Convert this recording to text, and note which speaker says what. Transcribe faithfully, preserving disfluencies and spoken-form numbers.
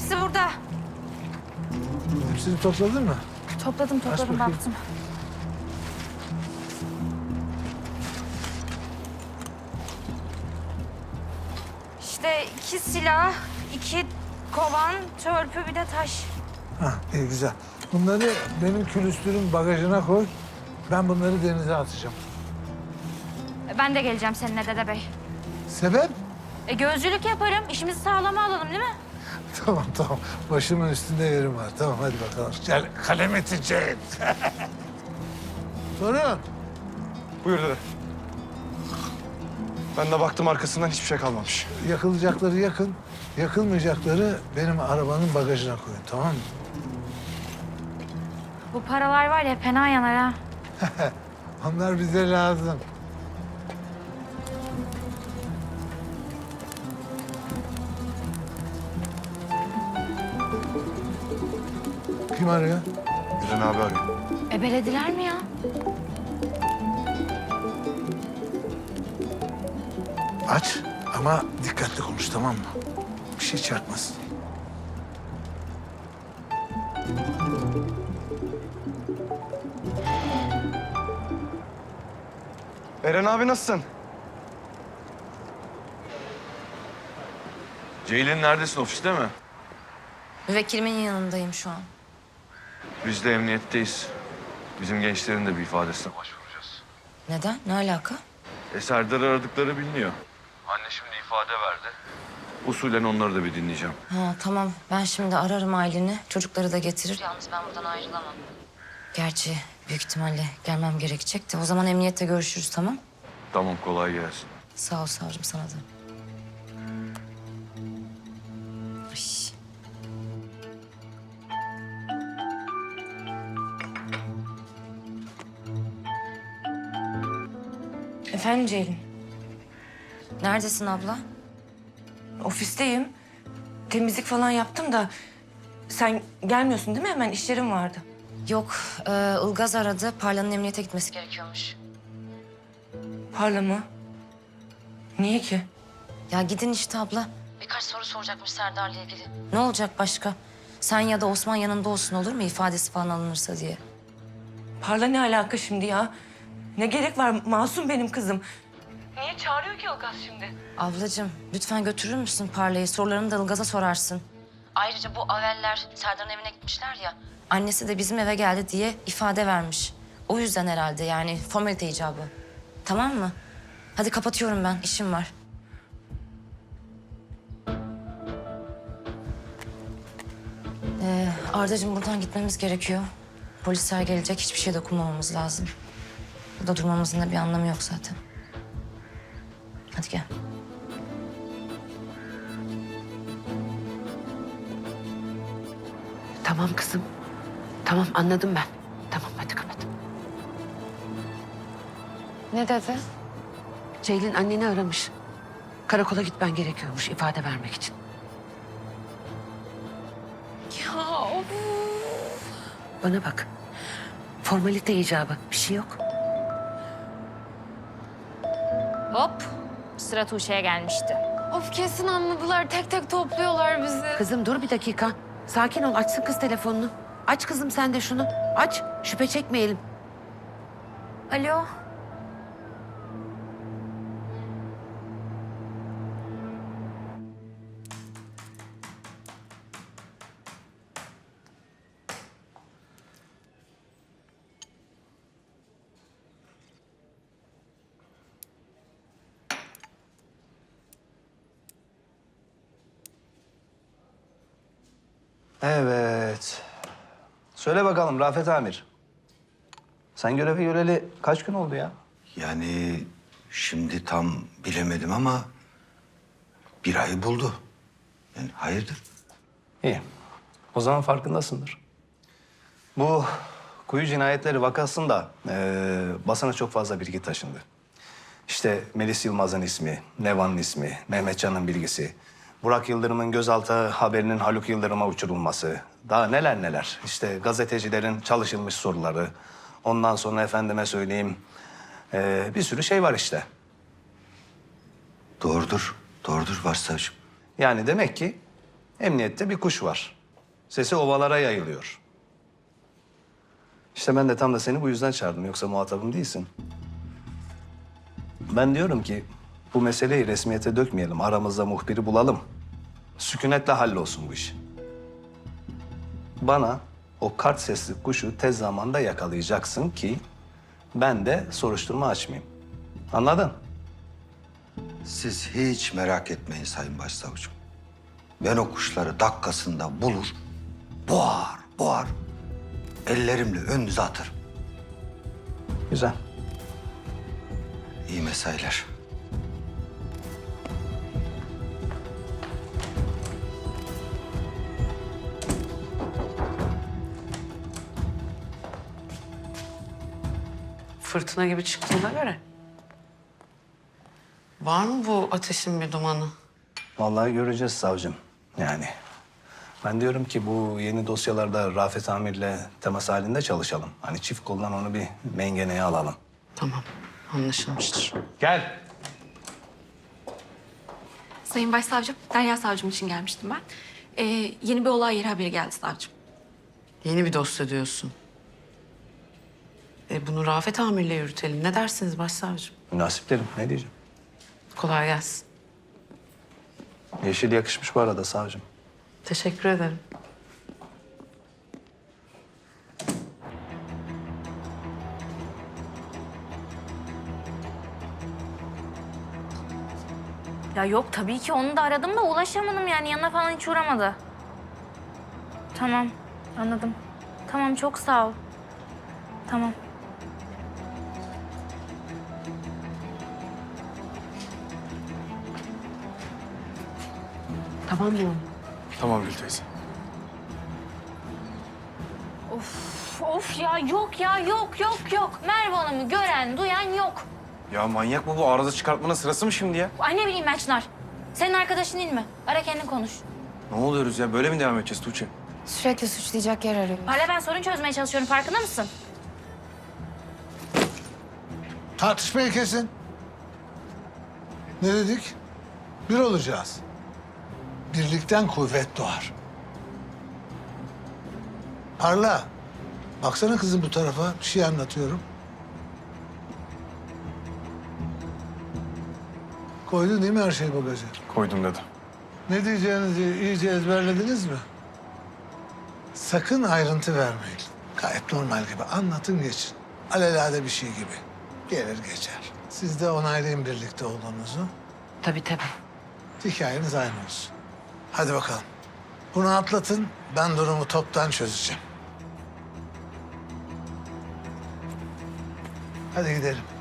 Speaker 1: hepsi burada.
Speaker 2: Hepsini topladın mı?
Speaker 1: Topladım topladım
Speaker 2: bakayım.
Speaker 1: baktım. İşte iki silah, iki kovan, törpü bir de taş.
Speaker 2: Ha, iyi güzel. Bunları benim külüstürün bagajına koy. Ben bunları denize atacağım.
Speaker 1: Ben de geleceğim seninle Dede Bey.
Speaker 2: Sebep?
Speaker 1: E, gözcülük yaparım. İşimizi sağlama alalım değil mi?
Speaker 2: Tamam tamam. Başımın üstünde yerim var. Tamam hadi bakalım. Gel kalem eteceğim. Torun.
Speaker 3: Buyur dede. Ben de baktım arkasından hiçbir şey kalmamış.
Speaker 2: Yakılacakları yakın. Yakılmayacakları benim arabanın bagajına koyun, tamam mı?
Speaker 1: Bu paralar var ya fena yanar ha.
Speaker 2: Onlar bize lazım. Kim arıyor?
Speaker 3: Diren abi arıyor.
Speaker 1: Ebelediler mi ya?
Speaker 2: Aç ama dikkatli konuş, tamam mı? Bir şey çarpmasın.
Speaker 3: Eren abi nasılsın?
Speaker 4: Ceylin neredesin, ofiste mi?
Speaker 5: Müvekkilimin yanındayım şu an.
Speaker 4: Biz de emniyetteyiz. Bizim gençlerin de bir ifadesine başvuracağız.
Speaker 5: Neden? Ne alaka?
Speaker 4: E Serdar'ı aradıkları biliniyor. Anne şimdi ifade verdi. Usulen onları da bir dinleyeceğim.
Speaker 5: Ha tamam. Ben şimdi ararım aileni. Çocukları da getirir. Yalnız ben buradan ayrılamam. Gerçi büyük ihtimalle gelmem gerekecek de. O zaman emniyette görüşürüz, tamam?
Speaker 4: Tamam, kolay gelsin.
Speaker 5: Sağ ol savcım, sana da. Ay. Efendim Ceylin? Neredesin abla?
Speaker 6: Ofisteyim. Temizlik falan yaptım da sen gelmiyorsun değil mi? Hemen işlerim vardı.
Speaker 5: Yok, e, Ilgaz aradı. Parla'nın emniyete gitmesi gerekiyormuş.
Speaker 6: Parla mı? Niye ki?
Speaker 5: Ya gidin işte abla. Birkaç soru soracakmış Serdar'la ilgili. Ne olacak başka? Sen ya da Osman yanında olsun, olur mu? İfadesi falan alınırsa diye.
Speaker 6: Parla ne alaka şimdi ya? Ne gerek var? Masum benim kızım. Niye çağırıyor ki Ilgaz şimdi?
Speaker 5: Ablacığım lütfen götürür müsün Parla'yı? Sorularını da Ilgaz'a sorarsın. Ayrıca bu Aveller Serdar'ın evine gitmişler ya. Annesi de bizim eve geldi diye ifade vermiş. O yüzden herhalde, yani formalite icabı. Tamam mı? Hadi kapatıyorum ben, işim var. Ee, Ardacığım buradan gitmemiz gerekiyor. Polisler gelecek, hiçbir şey dokunmamamız lazım. Burada durmamızın da bir anlamı yok zaten. Hadi gel.
Speaker 7: Tamam kızım. Tamam, anladım ben. Tamam, hadi kapat.
Speaker 5: Ne dedi?
Speaker 7: Ceylin anneni aramış. Karakola gitmen gerekiyormuş ifade vermek için.
Speaker 5: Ya of.
Speaker 7: Bana bak. Formalite icabı. Bir şey yok.
Speaker 1: Hop. Sıra Tuğçe'ye gelmişti.
Speaker 8: Of kesin anladılar. Tek tek topluyorlar bizi.
Speaker 7: Kızım dur bir dakika. Sakin ol. Açsın kız telefonunu. Aç kızım sen de şunu. Aç. Şüphe çekmeyelim.
Speaker 1: Alo.
Speaker 9: Evet. Söyle bakalım Rafet Amir. Sen görevi göreli kaç gün oldu ya?
Speaker 10: Yani şimdi tam bilemedim ama bir ayı buldu. Yani hayırdır?
Speaker 9: İyi. O zaman farkındasındır. Bu kuyu cinayetleri vakasında eee basına çok fazla bilgi taşındı. İşte Melis Yılmaz'ın ismi, Nevan'ın ismi, Mehmetcan'ın bilgisi, Burak Yıldırım'ın gözaltı haberinin Haluk Yıldırım'a uçurulması, daha neler neler. İşte gazetecilerin çalışılmış soruları, ondan sonra efendime söyleyeyim eee, bir sürü şey var işte.
Speaker 10: Doğrudur, doğrudur başsavcım.
Speaker 9: Yani demek ki Emniyette bir kuş var. Sesi ovalara yayılıyor. İşte ben de tam da seni bu yüzden çağırdım. Yoksa muhatabım değilsin. Ben diyorum ki bu meseleyi resmiyete dökmeyelim. Aramızda muhbiri bulalım. Sükunetle hallolsun bu iş. Bana o kart sesli kuşu tez zamanda yakalayacaksın ki ben de soruşturma açmayayım. Anladın?
Speaker 10: Siz hiç merak etmeyin Sayın Başsavcım. Ben o kuşları dakikasında bulur, boğar, boğar. Ellerimle önünüze atarım.
Speaker 9: Güzel.
Speaker 10: İyi mesailer.
Speaker 7: Fırtına gibi çıktığına göre. Var mı bu ateşin bir dumanı?
Speaker 9: Vallahi göreceğiz savcım. Yani ben diyorum ki bu yeni dosyalarda Rafet Amir'le temas halinde çalışalım. Hani çift koldan onu bir mengeneye alalım.
Speaker 7: Tamam, anlaşılmıştır.
Speaker 9: Gel.
Speaker 8: Sayın Başsavcım, Derya Savcım için gelmiştim ben. Ee, yeni bir olay yeri haberi geldi savcım.
Speaker 7: Yeni bir dosya diyorsun. E bunu Rafet Amir'le yürütelim. Ne dersiniz başsavcım?
Speaker 9: Münasip derim. Ne diyeceğim?
Speaker 7: Kolay gelsin.
Speaker 9: Yeşil yakışmış bu arada savcım.
Speaker 7: Teşekkür ederim.
Speaker 1: Ya yok tabii ki onu da aradım da ulaşamadım yani yanına falan hiç uğramadı. Tamam anladım. Tamam çok sağ ol. Tamam.
Speaker 7: Tamam mı?
Speaker 3: Tamam Gül teyze.
Speaker 1: Of of ya yok ya yok yok yok. Merve Hanım'ı gören duyan yok.
Speaker 3: Ya manyak mı bu? Arıza çıkartmanın sırası mı şimdi ya?
Speaker 1: Ay ne bileyim ben Çınar. Senin arkadaşın değil mi? Ara kendin konuş.
Speaker 3: Ne oluyoruz ya? Böyle mi devam edeceğiz Tuğçe?
Speaker 8: Sürekli suçlayacak yer arıyor.
Speaker 1: Hala ben sorun çözmeye çalışıyorum farkında mısın?
Speaker 2: Tartışmayı kesin. Ne dedik? Bir olacağız. Birlikten kuvvet doğar. Parla. Baksana kızım bu tarafa. Bir şey anlatıyorum. Koydun değil mi her şeyi bagaja?
Speaker 3: Koydum dedi.
Speaker 2: Ne diyeceğinizi iyice ezberlediniz mi? Sakın ayrıntı vermeyin. Gayet normal gibi anlatın geçin. Alelade bir şey gibi. Gelir geçer. Siz de onaylayın birlikte olduğunuzu.
Speaker 7: Tabii tabii.
Speaker 2: Hikayeniz aynı olsun. Hadi bakalım. Bunu atlatın. Ben durumu toptan çözeceğim. Hadi gidelim.